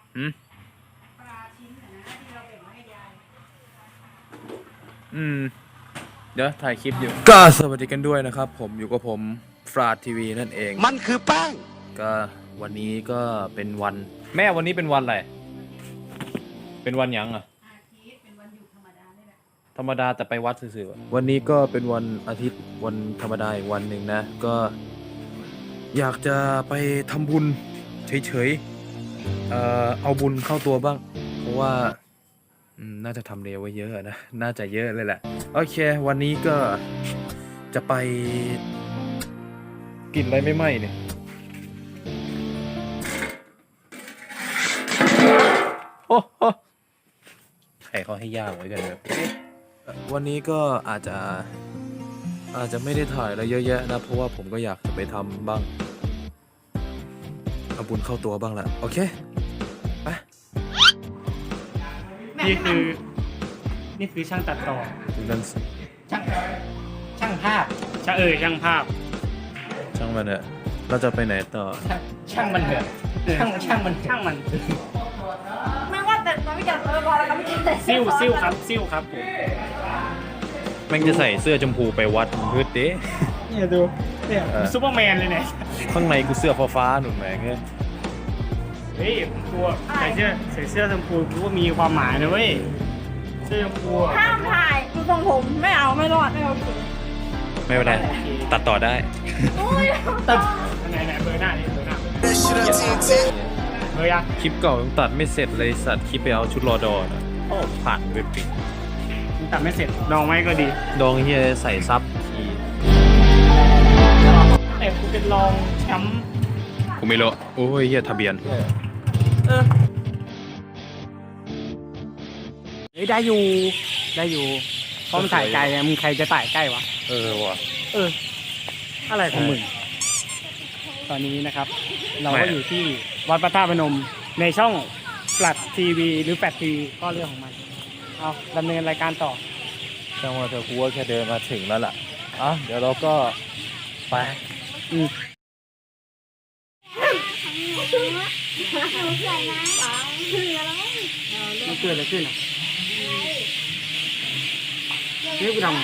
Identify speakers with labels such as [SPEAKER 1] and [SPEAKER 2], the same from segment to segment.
[SPEAKER 1] ปลาชิ้นนะที่เราแบ่งมาให้ยาย
[SPEAKER 2] เดี๋ยวถ่ายคลิปอยู่ก็สวัสดีกันด้วยนะครับผมอยู่กับผมฟราดทีวีนั่นเอง
[SPEAKER 3] มันคือแป้ง
[SPEAKER 2] ก็วันนี้ก็เป็นวันแม่วันนี้เป็นวันอะไรเป็นวันยังอ่ะ
[SPEAKER 1] เป็นวันหยุดธรรมดานี่แหละ
[SPEAKER 2] ธรรมดาแต่ไปวัดซื่อๆวันนี้ก็เป็นวันอาทิตย์วันธรรมดาอีกวันหนึ่งนะก็อยากจะไปทำบุญเฉยๆเอาบุญเข้าตัวบ้างเพราะว่าน่าจะทำเร็วไว้เยอะนะน่าจะเยอะเลยแหละโอเควันนี้ก็จะไปกินอะไรไม่ไหม้เนี่ยโอ้โหใครเขาให้ย่างไว้กันแบบวันนี้ก็อาจจะไม่ได้ถ่ายอะไรเยอะแยะนะเพราะว่าผมก็อยากจะไปทำบ้างเอาบุญเข้าตัวบ้างแหละโอเคไป
[SPEAKER 4] นี่คือช่างตัดต่อ
[SPEAKER 3] ช่างภาพ
[SPEAKER 4] ช่างภาพ
[SPEAKER 2] ช่างมันเถอะเราจะไปไหนต่อ
[SPEAKER 3] ช่างมันเถอะช่างมัน
[SPEAKER 1] ไม่ว่าแต่เราไม่จัดเลยพอแล้วก็ไม่กินแต่
[SPEAKER 4] ซิ่วครับผม
[SPEAKER 2] แม่งจะใส่เสื้อชมพูไปวัดพืชเด้
[SPEAKER 4] เนี่ยดูเนี่ยซูเปอร์แมนเลยเนี่ย
[SPEAKER 2] ข้างในกูเสื้อฟ้าหนุ่มแม่ง
[SPEAKER 4] เฮ้ยตัวใส่เสื้อชมพูกูว่ามีความหมายนะเว้ยเสื้อชมพู
[SPEAKER 1] ห้ามถ่ายดูทรงผมไม่เอาไม่รอดไม่เอา
[SPEAKER 2] ไม่เป็นไรตัดต่อได้
[SPEAKER 4] ตัดไหนเบอร์หน้านี่เบอร์ยัง
[SPEAKER 2] คลิปเก่ายังตัดไม่เสร็จเลยสัตว์คลิปไปเอาชุดรอดอนะโอ้ผ่านเว็บปิด
[SPEAKER 4] ตัดไม่เสร็จดองไว้ก็ดี
[SPEAKER 2] ดองเฮียใส่ซับที
[SPEAKER 4] แต่กูเป็นรองแชมป์
[SPEAKER 2] กูไม่รู้โอ้ยเฮียทะเบียน
[SPEAKER 4] ได้อยู่เพราะมันถ่ายไกลไงมึงใครจะถ่ายใกล้วะ
[SPEAKER 2] ว่ะ
[SPEAKER 4] อะไรของมึงตอนนี้นะครับเราก็อยู่ที่วัดพระธาตุพนมในช่องแฟลชทีวีหรือแฟลชทีวีก็เรื่องของมันเอาดำเนินรายการต่อ
[SPEAKER 2] จังหวะเธอกูว่าแค่เดินมาถึงแล้วล่ะเดี๋ยวเราก็ไป
[SPEAKER 4] มันเกิดอะไรขึ้นอ่ะเรียกกูทำไง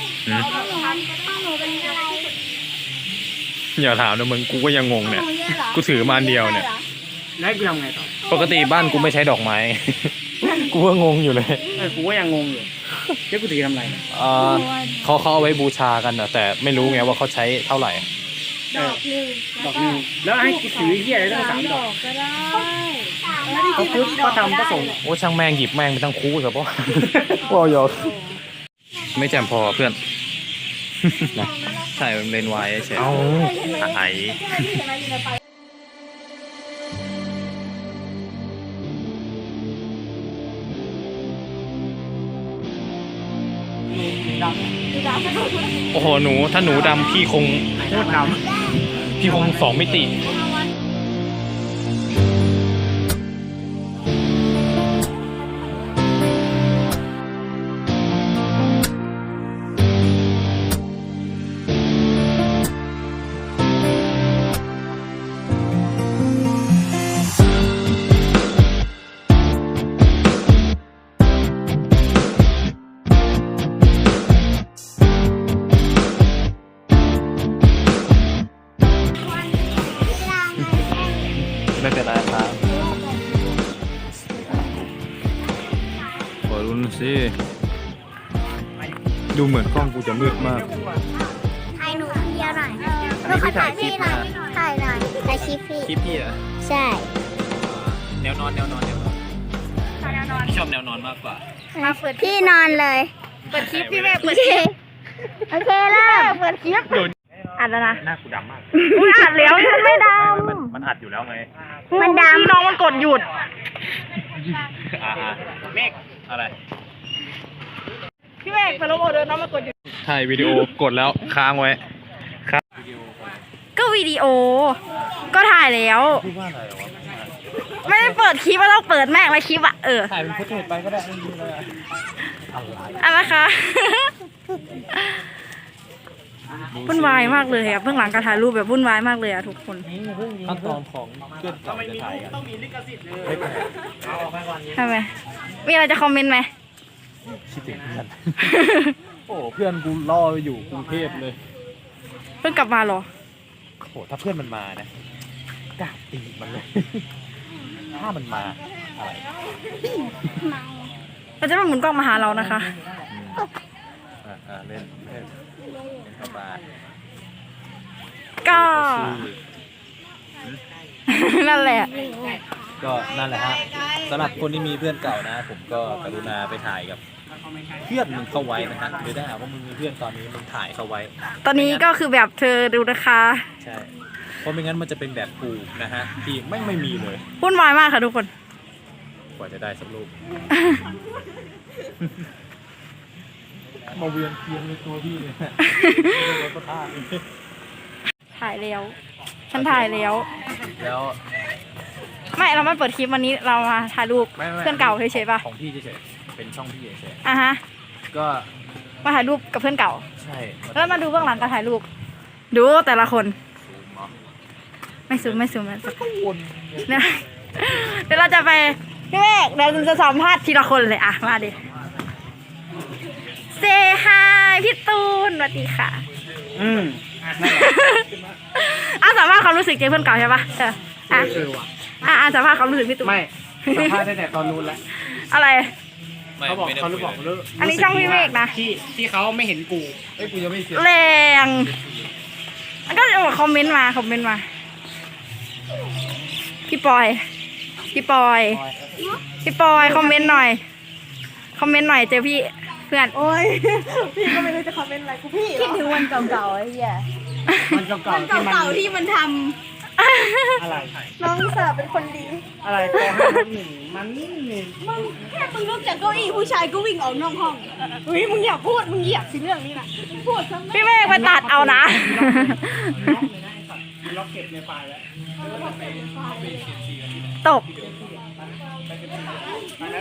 [SPEAKER 2] อย่าถามนะมึงกูก็ยังงงเนี่ยกูถือมาอันเดียวเนี่ย
[SPEAKER 4] แล้วกูทำไงต่อ
[SPEAKER 2] ปกติบ้านกูไม่ใช้ดอกไม้กูก็งงอยู่เลย
[SPEAKER 4] กูก็ยังงงอยู่เรียกกูถือทำไร
[SPEAKER 2] เขาเอาไว้บูชากันนะแต่ไม่รู้ไงว่าเขาใช้เท่าไหร่
[SPEAKER 1] ดอกหนึ่ง
[SPEAKER 4] แล้วให้กูถือเหี้ยอะไรตั้ง3 ดอก
[SPEAKER 1] ก็ได้
[SPEAKER 4] เขาทำก็ส่ง
[SPEAKER 2] โอ้ช่างแม่งหยิบแม่งไปทั้งคู่ครับพ่อว้าวยอกไม่แจ่มพอเพื่อนใช่เลนไวเฉยไอ้โอ้โหหนูถ้าหนูดำพี่คง
[SPEAKER 4] โคตรด
[SPEAKER 2] ำพี่คง2 มิติไม่เป็นไรครับขอรุนสิดูเหมือนกล้องกูจะมืดมาก
[SPEAKER 1] ถ่ายหนูคนเดียวหน่อยดูขอถ่ายพี่หน่อยถ่ายหน่อยถ่ายคลิป
[SPEAKER 2] พี่อ่ะ
[SPEAKER 1] ใช่
[SPEAKER 2] แนวนอนพี่ชอบแนวนอนมากกว่า
[SPEAKER 1] พี่นอนเลยเปิดคลิปพี่แม่เปิดคลิปโอเคแล้วเปิดคลิปอัดแล้วนะ
[SPEAKER 2] หน้ากูดำมาก
[SPEAKER 1] อัดแล้วยังไม่ด
[SPEAKER 2] ำมันอัดอยู่แล้วไง
[SPEAKER 1] มันดำ
[SPEAKER 4] น้องมันกดหยุด
[SPEAKER 2] เมฆอะไร
[SPEAKER 1] พี่เมฆไปลบออเดอร์น้องมันกดหยุด
[SPEAKER 2] ถ่ายวิดีโอกดแล้วค้างไว้ครับ
[SPEAKER 1] ก็วิดีโอก็ถ่ายแล้วไม่ได้เปิดคลิปว่าต้องเปิดแม่งเลยคลิป
[SPEAKER 2] ถ่ายเป็นฟุตเทจไปก็ได้ไม่มีเลย
[SPEAKER 1] อะไรคะวุ่นวายมากเลยอะเบื้องหลังการถ่ายรูปแบบวุ่นวายมากเลยอะทุกคน
[SPEAKER 2] ขั้นตอนของเพื่อนเก่าจะถ่ายกัน
[SPEAKER 1] ใช่ไหมมีอะไรจะคอมเมนต์ไหม
[SPEAKER 2] คิดถึงเพื่อน โอ้เพื่อนกูรออยู่กรุงเทพเลย
[SPEAKER 1] เพิ่งกลับมาเหรอ
[SPEAKER 2] โหถ้าเพื่อนมันมานะกล้าตีมันเลย ถ้ามันมาอะไร
[SPEAKER 1] เราจะไม่หมุนกล้องมาหาเรานะคะ
[SPEAKER 2] เล่นเข้ามา
[SPEAKER 1] ก็ นั่นแหละ
[SPEAKER 2] ก็นั่นแหละฮะสำหรับคนที่มีเพื่อนเก่านะ ผมก็กรุณาไปถ่ายกับเพื่อนมึงเข้าไว้นะฮะหรือได้หากว่ามึงมีเพื่อนตอนนี้มึงถ่ายเข้าไว้
[SPEAKER 1] ตอนนี้ก็คือแบบเธอดูนะคะ
[SPEAKER 2] ใช่เพราะไม่งั้นมันจะเป็นแบบกูนะฮะที่ไม่มีเลย
[SPEAKER 1] วุ่นวายมากค่ะทุกคน
[SPEAKER 2] กว่าจะได้สักรูป มาเวียนเทียนในตัวพี่เลยก็ท่า
[SPEAKER 1] ถ่ายแล้ว ฉันถ่ายแล้ว
[SPEAKER 2] แล้ว
[SPEAKER 1] ไม่เราไม่เปิดคลิปวันนี้เรามาถ่ายรูป
[SPEAKER 2] ไม่
[SPEAKER 1] เพื่อนเก่าเฉยๆป่ะ
[SPEAKER 2] ของพี่เฉยๆเป็นช่องพี่เฉย
[SPEAKER 1] อ่ะฮะ
[SPEAKER 2] ๆก็
[SPEAKER 1] มาถ่ายรูปกับเพื่อนเก่า
[SPEAKER 2] ใช่
[SPEAKER 1] แล้วมาดูเบื้องหลังการถ่ายรูป ดูแต่ละคน
[SPEAKER 2] ซูมเอา
[SPEAKER 1] ไม่ซูมไม่เนี่ยเดี๋ยวเราจะไปพี่เมฆเดี๋ยวจะสัมภาษณ์ทีละคนเลยอ่ะมาดิเซฮายพี่ตูนสวัสดีค่ะ อ่ะสัมภาษณ์ความรู้สึกเจอเพื่อนเก่าใช่ปะอ่ะ
[SPEAKER 4] ว่ะ
[SPEAKER 1] อ่ะสัมภาษณ์ความรู้สึกพี่ตูน
[SPEAKER 4] ไม่สัมภาษณ์ตั้งแต่ตอนนู้นแล้ว
[SPEAKER 1] อะไร
[SPEAKER 4] เขาบอกเขาบอกเลิก
[SPEAKER 1] อันนี้ช่องพี่เมฆนะ
[SPEAKER 4] ที่เขาไม่เห็นกู
[SPEAKER 2] เอ้ยกูยังไม่เสีย
[SPEAKER 1] แรงก็คอมเมนต์มาพี่ปอยคอมเมนต์หน่อยเจอพี่เพื่อน
[SPEAKER 5] โอ้ย พี่ก็ไม่รู้จะคอมเมนต์อะไรกูพี่คิดถึงวันเก่าๆไอ้เหี้ย
[SPEAKER 4] มันเก่า
[SPEAKER 5] วัน
[SPEAKER 4] ๆที่มัน
[SPEAKER 5] เก่าๆที่มันท
[SPEAKER 4] อะไร
[SPEAKER 5] ำน้องสาวเป็นคนดี
[SPEAKER 4] อะไรปห้าทับหนึ่งมันนี่
[SPEAKER 5] มึงแค่มึงลุกจากเก้าอี้ผู้ชายก็วิ่งออกนอกห้องเฮ้ยมึงอย่าพูดมึงเหยียบสิเรื่องนี้นะพูดซะ
[SPEAKER 1] พี่เมฆไปตัดเอานะ
[SPEAKER 4] ล็อกเก็บในไฟล์แล้ว
[SPEAKER 1] ตก
[SPEAKER 4] ไปไหม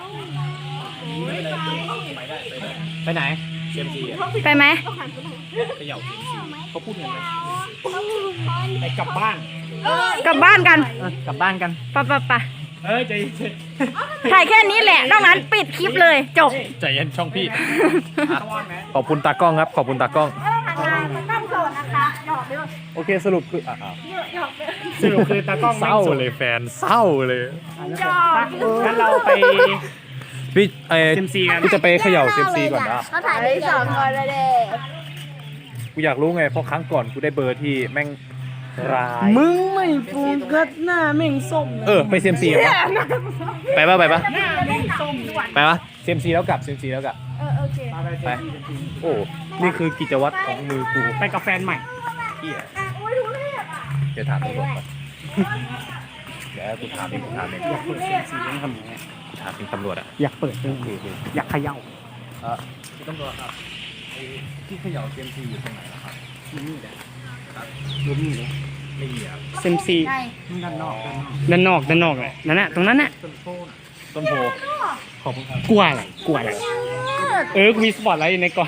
[SPEAKER 4] ไปไหน
[SPEAKER 2] เซียมซีอ่ะ
[SPEAKER 1] ไปไหม
[SPEAKER 2] เขย่าเซียมซีเขาพูดยังไง
[SPEAKER 4] ไปกลับบ้าน
[SPEAKER 1] กลับบ้านกัน
[SPEAKER 4] กลับบ้านกัน
[SPEAKER 1] ไป
[SPEAKER 4] เอ้ยใจเย็น
[SPEAKER 1] ถ่ายแค่นี้แหละนอกนั้นปิดคลิปเลยจบ
[SPEAKER 2] ใจเย็นช่องพี่ขอบคุณตากล้องครับขอบคุณตากล้อง
[SPEAKER 5] ต้องโสดนะคะหยอกด้วย
[SPEAKER 2] โอเคสรุปคือ
[SPEAKER 4] สรุปคือตากล้อง
[SPEAKER 2] เศร้าเลยแฟนเศร้าเลย
[SPEAKER 4] งั้นเราไป
[SPEAKER 2] พี่
[SPEAKER 4] เซียมซีกัน
[SPEAKER 2] พี่จะไปเขย่าเซียมซีก่อนนะ
[SPEAKER 5] เขาถ่ายได้สองคนเลยเด้
[SPEAKER 2] กูอยากรู้ไงเพราะครั้งก่อนกูได้เบอร์ที่แม่งร้าย
[SPEAKER 4] มึงไม่โฟกัสหน้าแม่งส้ม
[SPEAKER 2] ไปเซียมซีปะไปปะ
[SPEAKER 4] หน้าแม่งส้มด้วย
[SPEAKER 2] ไปปะเซียมซีแล้วกลับเซียมซีแล้วกลับ
[SPEAKER 5] โอเค
[SPEAKER 2] ไปโอ้นี่คือกิจวัตรของมือกู
[SPEAKER 4] ไปกับแฟนใหม่
[SPEAKER 2] เหี้ยเดี๋ยวถามตำรวจก่อนเดี๋ยวกูถามเอง
[SPEAKER 4] อยากเปิดเซียมซีต้องทำยังไง
[SPEAKER 2] กูถามเองตำรวจอ่ะ
[SPEAKER 4] อยากเปิดด้วยอยากเขย่า
[SPEAKER 2] คุณตำรวจครับที่เขย่าเซียมซีอยู่ตรงไหนครับ
[SPEAKER 4] นี่แหละดูนี่เลย
[SPEAKER 2] ไม่มีครับ
[SPEAKER 4] เซียมซีด้านนอกเลยนั่นน่ะตรงนั้นน่ะ
[SPEAKER 2] ต้นโพขอบคุณครับ
[SPEAKER 4] กลัวอะไรกูมีสปอตไลท์อยู่ในกล่อง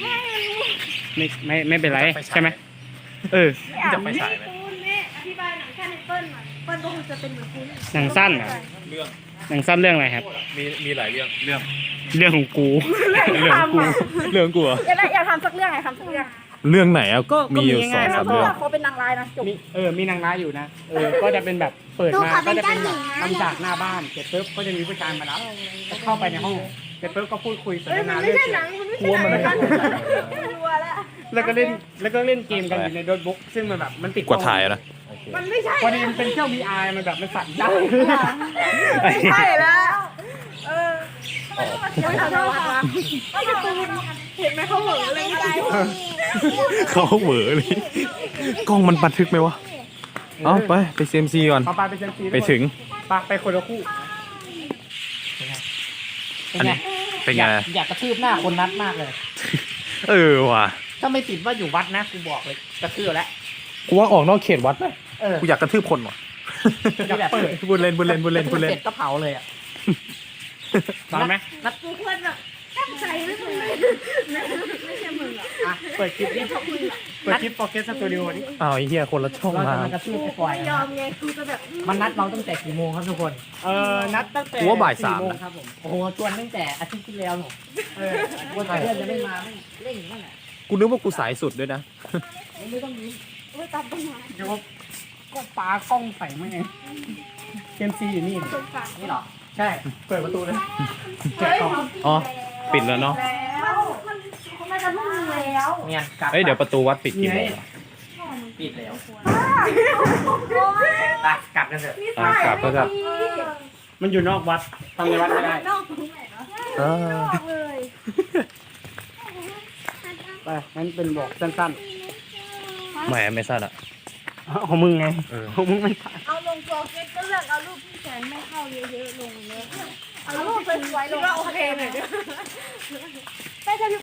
[SPEAKER 4] ไม่เป็นไรใช่ไหม
[SPEAKER 2] พี่จะไปฉายไหม
[SPEAKER 5] อธิบายหนังแค่ในเปิ้ลหน่อยเปิ้ลก็คงจะเป็นเหมือนคุณ
[SPEAKER 4] หนังสั้นอ่ะ
[SPEAKER 2] เรื่อง
[SPEAKER 4] หนังสั้นเรื่องอะไรครับ
[SPEAKER 2] มีหลายเรื่องเรื่อง
[SPEAKER 4] เรื่องของกู
[SPEAKER 2] เรื่องกูเหรอ
[SPEAKER 1] อยากทำสักเรื่องไงทำสักเรื่อง
[SPEAKER 2] เรื่องไหนอ่ะมีอยู่
[SPEAKER 4] ก็มี
[SPEAKER 2] สอง
[SPEAKER 4] ง่ายๆ
[SPEAKER 2] สาม
[SPEAKER 1] เพราะ
[SPEAKER 2] เรื่อง
[SPEAKER 1] ว่าเขาเป็นนางร้ายนะจบ
[SPEAKER 4] มีนางร้ายอยู่นะก็จะเป็นแบบเปิดมาก็จะเป็นแบบทำจากหน้าบ้านเสร็จปุ๊บก็จะมีผู้ชายมารับเข้าไปในห้องเสร็จปุ๊บก็พูดคุยสนทนาเรื่องเกี่ยวกับ
[SPEAKER 2] กลัวมันไม่ได้
[SPEAKER 5] รัวแล้ว
[SPEAKER 4] แล้วก็เล่นเกมกันอยู่ในโน้ตบุ๊กซึ่งมันแบบมันติด
[SPEAKER 2] กว่าถ่ายนะ
[SPEAKER 5] มันไม่ใช่
[SPEAKER 4] พอดีมันเป็นเครื่อง VR มันแบบมันสั่นได้
[SPEAKER 5] ไม่ใช่แล้วไม่ขอโทษค่ะไม่การ์ตูนเห็นไหมเขาเหมือนอะไรไม่ได้
[SPEAKER 2] เขาเหวอเลยกล้องมันบันทึกไหมวะเอาไปเซียมซีก่อน
[SPEAKER 4] พอไปเซนซี
[SPEAKER 2] ไปถึง
[SPEAKER 4] ไปคนละคู่
[SPEAKER 2] อันนี้เป็นไง
[SPEAKER 4] อยากกระทืบหน้าคนนัดมากเลย
[SPEAKER 2] ว่ะ
[SPEAKER 4] ถ้าไม่ติดว่าอยู่วัดนะกูบอกเลยกระทืบแล้ว
[SPEAKER 2] กูว่าออกนอกเขตวัดไหม
[SPEAKER 4] เออ
[SPEAKER 2] กูอยากกระทืบคนว่ะ
[SPEAKER 4] อยากเปิด
[SPEAKER 2] บุญเล่น
[SPEAKER 4] เสร็จก็เผาเลยอ่ะตอนไหม
[SPEAKER 5] นัดกูเพื่อนแบบใส่ไม่มึงเลยไม่ใช่มึงอ่ะ
[SPEAKER 4] อ่ะเปิดคลิปนี้เปิดคลิปโปเกสตูดิโอนี้
[SPEAKER 2] อ้าวไอ้เหี้ยคนละช่อง
[SPEAKER 3] เรา
[SPEAKER 2] มา
[SPEAKER 3] จะมากระทืบไอ้ปล่อย
[SPEAKER 5] ไม่ยอมไงกูจะแบบ
[SPEAKER 3] มันนัดเราตั้งแต่กี่โมงครับทุกคน
[SPEAKER 4] นัดตั้งแต่
[SPEAKER 2] กูว่าบ่ายสาม
[SPEAKER 4] 4 โมง
[SPEAKER 2] นะครับ
[SPEAKER 4] ผม
[SPEAKER 3] โอ้โหชวนตั้งแต่อาทิตย์ที่แล้วหนู
[SPEAKER 4] เออ
[SPEAKER 3] วันเพื่อนจะไม่มาไม่เร่งนั่นแหละ
[SPEAKER 2] กูนึกว่ากูสายสุดด้วยนะ
[SPEAKER 3] ไม่ต้องยิ้ม
[SPEAKER 5] โอ้ยตัดต้นไม้
[SPEAKER 4] เดี๋ยวก็ปลากล้องใส่มาเองเกมซีอยู่นี่
[SPEAKER 5] สงสาร
[SPEAKER 3] นี่เหรอ
[SPEAKER 4] ใช่ เปิดประตูเลย
[SPEAKER 5] เฮ้ย
[SPEAKER 2] อ๋อ ปิดแล้วเนาะ
[SPEAKER 5] แล้วมันจะมุ่งแล้ว
[SPEAKER 3] เนี่ยกลับ
[SPEAKER 2] เอ้ยเดี๋ยวประตูวัดปิดกี่โมงอะ
[SPEAKER 3] ปิดแล้วไปกลับกันเถอะ
[SPEAKER 2] อ่ะกลับก็กลับ
[SPEAKER 4] มันอยู่นอกวัดทำในวัดไม่ได้
[SPEAKER 5] นอกตรงไหนเนาะ
[SPEAKER 2] อ่า
[SPEAKER 5] เลย
[SPEAKER 4] ไปงั้นเป็นบอกสั้น
[SPEAKER 2] แหมไม่สั้นอ่ะ
[SPEAKER 4] ๆของมึงไง
[SPEAKER 2] เออ
[SPEAKER 4] ของมึงไม่สั้น
[SPEAKER 5] เอาลงโปรเฟสก็เลือกเอารูปที่แขนไม่เข้าเยอะๆลงเลยเอารูปสวยๆลงโอเคหน่อยเด้อ